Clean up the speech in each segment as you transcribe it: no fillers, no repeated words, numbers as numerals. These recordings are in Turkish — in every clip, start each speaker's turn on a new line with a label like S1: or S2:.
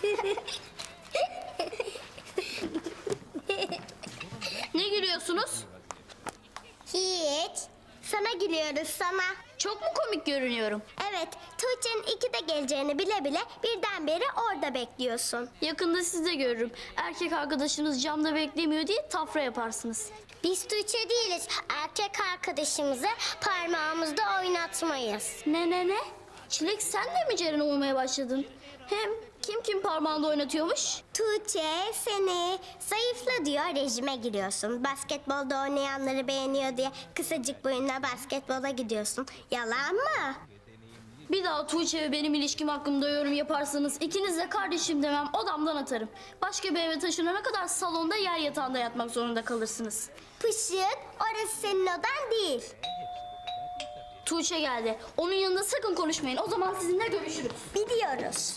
S1: Ne gülüyorsunuz?
S2: Hiç. Sana gülüyoruz sana.
S1: Çok mu komik görünüyorum?
S2: Evet, Tuğçe'nin 2'de geleceğini bile bile birdenbire orada bekliyorsun.
S1: Yakında siz de görürüm. Erkek arkadaşınız camda beklemiyor diye tafra yaparsınız.
S2: Biz Tuğçe değiliz. Erkek arkadaşımızı parmağımızda oynatmayız.
S1: Ne? Çilek sen de mi Ceren olmaya başladın? Hem kim parmağında oynatıyormuş?
S2: Tuğçe seni zayıfla diyor, rejime giriyorsun. Basketbolda oynayanları beğeniyor diye kısacık boyunla basketbola gidiyorsun. Yalan mı?
S1: Bir daha Tuğçe ve benim ilişkim hakkında yorum yaparsanız ikiniz de kardeşim demem, odamdan atarım. Başka bir eve taşınana kadar salonda yer yatağında yatmak zorunda kalırsınız.
S2: Pışık, orası senin odan değil.
S1: Tuğçe geldi. Onun yanında sakın konuşmayın. O zaman sizinle görüşürüz.
S2: Biliyoruz.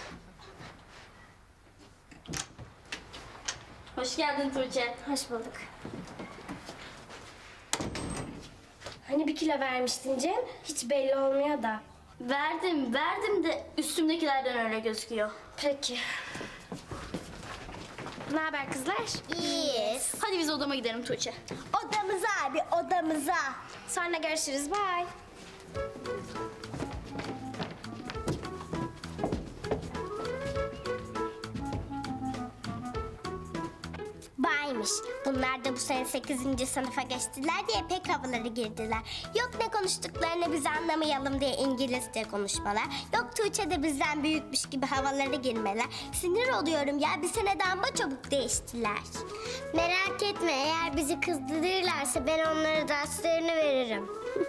S1: Hoş geldin Tuğçe.
S2: Hoş bulduk. Hani bir kilo vermiştin Cem? Hiç belli olmuyor da.
S1: Verdim de üstümdekilerden öyle gözüküyor.
S2: Peki. Ne haber kızlar? İyiyiz.
S1: Hadi biz odama gidelim Tuğçe.
S2: Odamıza abi, odamıza. Sonra görüşürüz, bye. Baymış. Bunlar da bu sene 8. sınıfa geçtiler diye pek havaları girdiler. Yok ne konuştuklarını biz anlamayalım diye İngilizce konuşmalar. Yok Tuğçe de bizden büyükmüş gibi havaları girmeler. Sinir oluyorum ya, bir seneden çabuk değiştiler. Merak etme, eğer bizi kızdırırlarsa ben onlara derslerini veririm.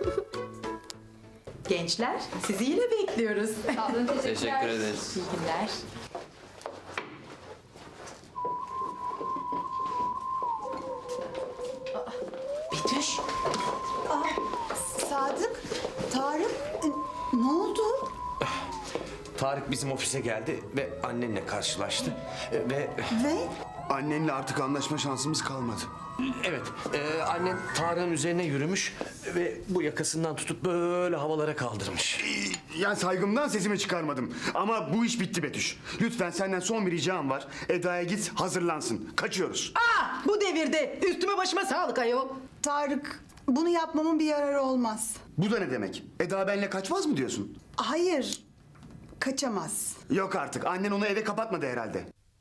S3: Gençler, sizi yine bekliyoruz.
S4: Teşekkür ederiz.
S3: İyi günler. Betüş,
S5: Sadık, Tarık, ne oldu?
S4: Tarık bizim ofise geldi ve annenle karşılaştı. Ve
S5: Ve
S6: Annenle artık anlaşma şansımız kalmadı.
S4: evet, annen Tarık'ın üzerine yürümüş ve bu yakasından tutup böyle havalara kaldırmış.
S6: Yani saygımdan sesimi çıkarmadım. Ama bu iş bitti Betüş. Lütfen senden son bir ricam var. Eda'ya git, hazırlansın. Kaçıyoruz.
S3: bu devirde üstüme başıma sağlık ayol.
S5: Tarık, bunu yapmamın bir yararı olmaz.
S6: Bu da ne demek? Eda benimle kaçmaz mı diyorsun?
S5: Hayır, kaçamaz.
S6: Yok artık. Annen onu eve kapatmadı herhalde.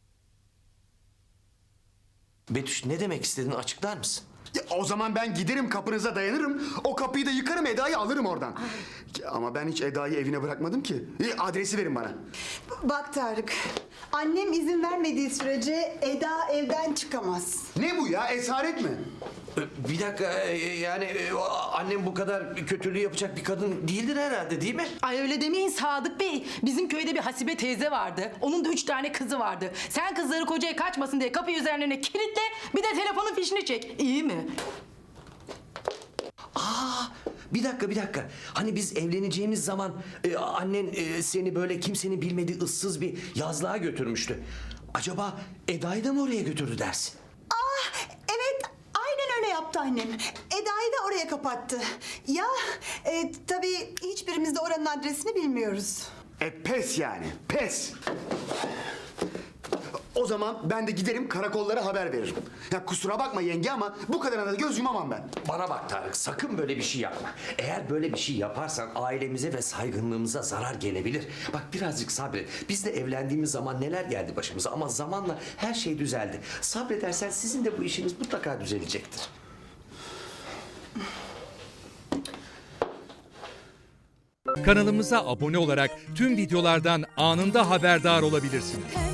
S4: Betüş ne demek istediğini açıklar mısın?
S6: Ya, o zaman ben giderim, kapınıza dayanırım. O kapıyı da yıkarım, Eda'yı alırım oradan. Ya, ama ben hiç Eda'yı evine bırakmadım ki. Adresi verin bana.
S5: Bak Tarık, annem izin vermediği sürece Eda evden çıkamaz.
S6: Ne bu ya? Esaret mi?
S4: Bir dakika, yani annem bu kadar kötülüğü yapacak bir kadın değildir herhalde, değil mi?
S7: Ay öyle demeyin Sadık Bey. Bizim köyde bir Hasibe teyze vardı. Onun da 3 tane kızı vardı. Sen kızları kocaya kaçmasın diye kapıyı üzerlerine kilitle, bir de telefonun fişini çek. İyi mi?
S4: Bir dakika. Hani biz evleneceğimiz zaman annen seni böyle kimsenin bilmediği ıssız bir yazlığa götürmüştü. Acaba Eda'yı da mı oraya götürdü dersin?
S5: Evet, aynen öyle yaptı annem. Eda'yı da oraya kapattı. Ya, tabii hiçbirimiz de oranın adresini bilmiyoruz.
S6: Pes yani, pes. O zaman ben de giderim, karakollara haber veririm. Ya kusura bakma yenge ama bu kadarına da göz yumamam ben.
S4: Bana bak Tarık, sakın böyle bir şey yapma. Eğer böyle bir şey yaparsan ailemize ve saygınlığımıza zarar gelebilir. Bak birazcık sabret. Biz de evlendiğimiz zaman neler geldi başımıza ama zamanla her şey düzeldi. Sabredersen sizin de bu işiniz mutlaka düzelecektir.
S8: Kanalımıza abone olarak tüm videolardan anında haberdar olabilirsiniz.